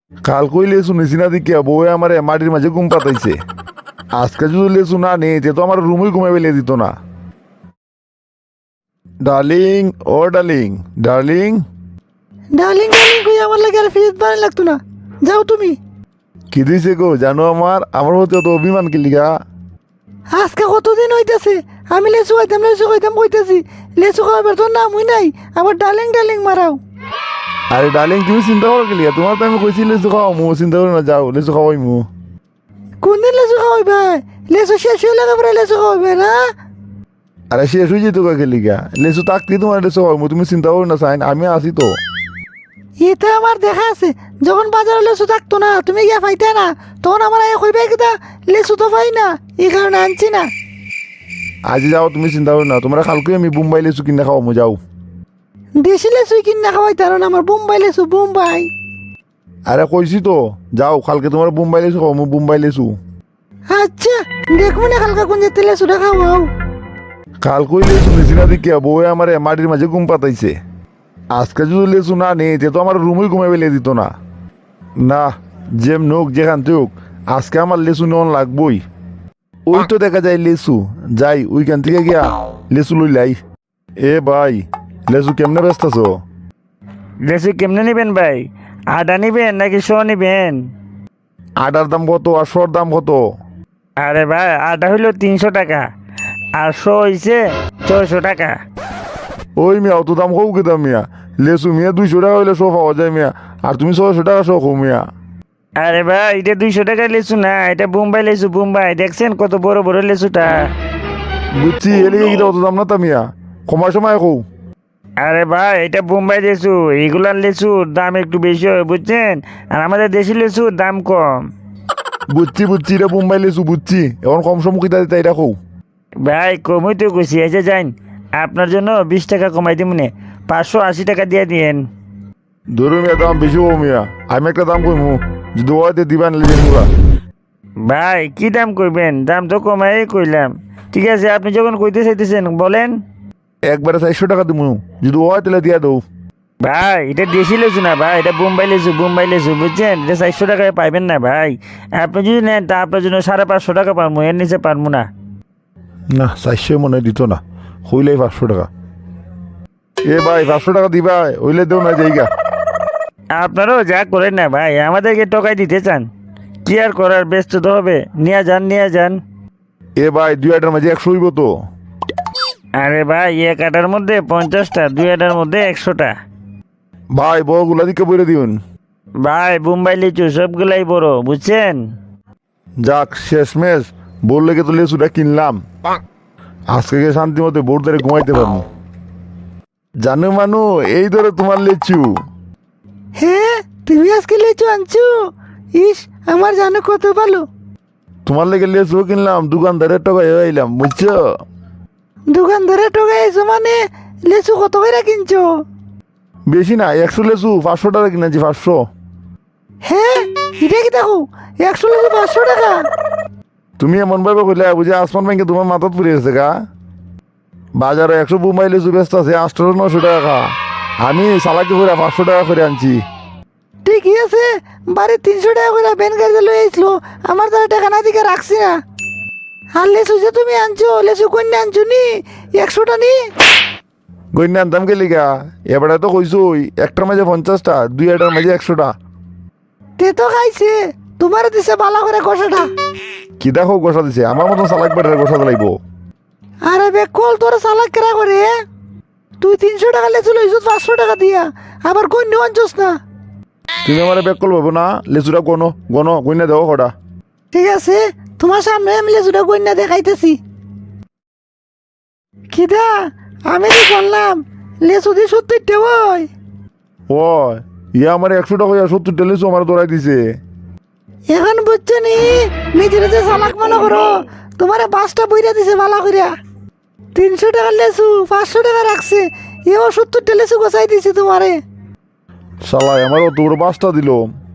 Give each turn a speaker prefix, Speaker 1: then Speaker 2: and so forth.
Speaker 1: কাল কই লেসু নিছি না দিকে বউ আমার মাটির মাঝে ঘুম পাতাইছে। আজকে যদি লেসু না নেই তো আমার রুমই ঘুমে বেলিয়ে দিত না। Darling, oh darling, darling.
Speaker 2: Darling darling কই আমার লাগে আর ফিরিত বানাই লাগতো না। যাও তুমি।
Speaker 1: কি দিছে গো জানো আমার হতে তো অভিমান কি লিগা?
Speaker 2: আজকে কতদিন হইতেছে আমি লেচু খাইতাম কইতেছি, লেচু খাওয়াবার তোর নামই নাই, আবার ডার্লিং ডার্লিং মারাও।
Speaker 1: আরে ডার্লিং তুমি চিন্তা করো কি লিগা? তোমার তো আমি কইছি লেসু খাওয়া, মু চিন্তা করো না, যাও লেসু খাওয়াই মু।
Speaker 2: কোনদিন লেচু খাওয়াইবে? লেচু শেষ হয়ে লাগে পরে লেচু খাওয়াইবে না?
Speaker 1: আরে শেষ হয়ে যেত কাকে লিগা? লেসু থাকতে তোমার লেসু খাওয়াই মু, তুমি চিন্তা করো না সাইন, আমি আছি তো।
Speaker 2: এটা আমার দেখা আছে, যখন বাজারে লেচু থাকতো না তুমি গিয়া পাইতে না, তখন আমার আগে কইবে কিতা লেচু তো পাই না, এই কারণে আনছি না।
Speaker 1: আজ যাও, তুমি চিন্তা করো না, তোমরা কালকে আমি বোম্বাই লেসু কিনে খাওয়া মু, যাও।
Speaker 2: দেশি লেচুই কিনা খাওয়াইতে না, আমার বোম্বাই লেচু বোম্বাই।
Speaker 1: আরে কইছি তো, যাও কালকে তোমার বোম্বাই লেসু খাওয়া মু, বোম্বাই লেসু।
Speaker 2: আচ্ছা দেখবো না কালকা কোন যেতে লেচুটা খাওয়াও।
Speaker 1: কাল কই লেসু নিছি না দিকে বউ আমার মাটির মাঝে ঘুম পাতাইছে। আজকে যদি লেসু না নেই তো আমার রুমই ঘুমে বেলিয়ে দিত না। না, যেম নোক যেখান হোক, আজকে আমার লেসু নেওয়ান লাগবই। ওই তো দেখা যায় লেসু, যাই ওইখান থেকে গিয়া লেসু লই লাই। এ ভাই, লেসু কেমনে ব্যস্ত আছো?
Speaker 3: লেচু কেমনে নিবেন ভাই? আদা নিবেন নাকি শো নিবেন?
Speaker 1: আটার দাম কত আর শোর দাম কত?
Speaker 3: আরে ভাই আদা হইলো 300 টাকা আর শো হইছে 600 টাকা।
Speaker 1: ওই মিয়া অত দাম হোক কে দাম মিয়া? লেসু মিয়া 200 টাকা হইলে শো পাওয়া যায় মিয়া, আর তুমি 600 টাকা শো খো মিয়া।
Speaker 3: আরে ভাই এটা 200 টাকা লেচু না, এটা বোম্বাই লেচু বোম্বাই, দেখছেন কত বড় বড় লেচুটা?
Speaker 1: বুঝছি, এলিগে কিটা অত দাম না তা মিয়া, কমার সময় কৌ।
Speaker 3: আরে ভাই এটা বোম্বাই লেচু, এগুলার লেচুর দাম একটু বেশি হয় বুঝছেন, আর আমাদের দেশি লেচুর দাম কম।
Speaker 1: বুঝছি এটা বোম্বাই লেসু বুঝছি, এখন কম সম্মুখিতা দিতে এটা কৌ।
Speaker 3: ভাই কমই তো কইছি, এসে যান আপনার জন্য 20 টাকা কমাই দিব নে, 580 টাকা দিয়ে দিয়েন।
Speaker 1: ধরুন মিয়া দাম বেশি হবো মিয়া, আমি একটা দাম কইমু, যদি ওয়াতে দিবা নিলে দিমুরা।
Speaker 3: ভাই কি দাম করবেন? দাম তো কমাই কইলাম। ঠিক আছে আপনি যখন কইতে চাইতেছেন বলেন।
Speaker 1: একবারে 400 টাকা দিমু, যদি ওয়া তাহলে দিয়া দৌ।
Speaker 3: ভাই এটা দেশি লেচু না ভাই, এটা বোম্বাই লেচু বুঝছেন, এটা 400 টাকায় পাইবেন না ভাই। আপনি যদি নেন তা আপনার জন্য 550 টাকা পারবো, এর নিচে পারবো না।
Speaker 1: না 400 মনে হয় দিত না, হইলেই 500 টাকা। এ ভাই 500 টাকা দিবা, হইলে দেও না জায়গা।
Speaker 3: আপনারাও যা করেন না ভাই, আমাদেরকে টকাই দিতে চান, কি আর করার, ব্যস্ত তো হবে, নিয়ে যান।
Speaker 1: এ ভাই 2 আটার মাঝে 100 হইব তো?
Speaker 3: আরে ভাই এক আটার মধ্যে 50টা, 2 আটার মধ্যে 100টা।
Speaker 1: ভাই বড়গুলা দিকে বইরে দিউন।
Speaker 3: ভাই বোম্বাই লিচু সবগুলাই বড় বুঝছেন।
Speaker 1: যাক শেষমেশ বললে তো লেসুটা কিনলাম, আজকে গিয়ে শান্তি মতো বোর ধরে ঘুমাইতে পারবো। জানো মানু, এই ধরে তোমার লেচু।
Speaker 2: হ্যাঁ তুমি আজকে লেচু আনছো? ইস আমার জানো কত ভালো।
Speaker 1: তোমার লেগে লেচু কিনলাম, দোকানদারের টাকায় আইলাম বুঝছো।
Speaker 2: দোকানদারে ঠকাইছো মানে? লেচু কত করে কিনছো?
Speaker 1: বেশি না, 100 লেচু 500 টাকা কিনেছি, 500।
Speaker 2: হ্যাঁ এটা কি দেখো, 100 লেচু 500 টাকা?
Speaker 1: তুমি এমন ভাবে কইলে বুঝে আসমান ব্যাংকে তোমার মাথাত পড়ে গেছে গা। বাজারে 100 বোম্বাই লেচু ব্যস্ত আছে 800-900 টাকা, আমি সালাকি করে 500 টাকা করে আনছি।
Speaker 2: ঠিকই আছে, বাড়ি 300 টাকা করে ভ্যান গাড়িতে লই আইসলো, আমার দ্বারা টাকা না দিকে রাখছি না। আর লেচু যে তুমি আনছো, লেচু কন্যা আনছো নি 100টা নি?
Speaker 1: গইনা আনতাম কে লিগা, এবারে তো কইছো একটার মাঝে 50টা, 2 আটার মাঝে 100টা।
Speaker 2: তে তো খাইছে, তোমার দিছে বালা করে কষাটা।
Speaker 1: কি দেখো গোসা দিছে, আমার মতন সালাক বেটার গোসা লাগবো।
Speaker 2: আরে বেকল তোর সালাক কেরা করে? তুই 300 টাকা লেচু লইছো 500 টাকা দিয়া, আবার কন্যা আনছোস না।
Speaker 1: তুমি আমার ব্যাক কল পাবো না, লেচুটা গইনা দেও কটা।
Speaker 2: ঠিক আছে তোমার সামনে আমি লেচুটা কন্যা দেখাইতেছি। কিদা আমি কি করলাম, লেচু দিয়ে 70টা ওই।
Speaker 1: ও ইয়া আমার 100 টাকা 70টা লেচু আমার দৌড়াই দিছে।
Speaker 2: এখন বুঝছো নি নিজের যে চালাক মনে করো, তোমার 5টা বইরা দিছে ভালো করিয়া। 300 টাকার লেচু 500 টাকা রাখছে, এও 70টা লেচু গোছাই দিছে তোমারে।
Speaker 1: শালাই আমার অত বড় 5টা দিল।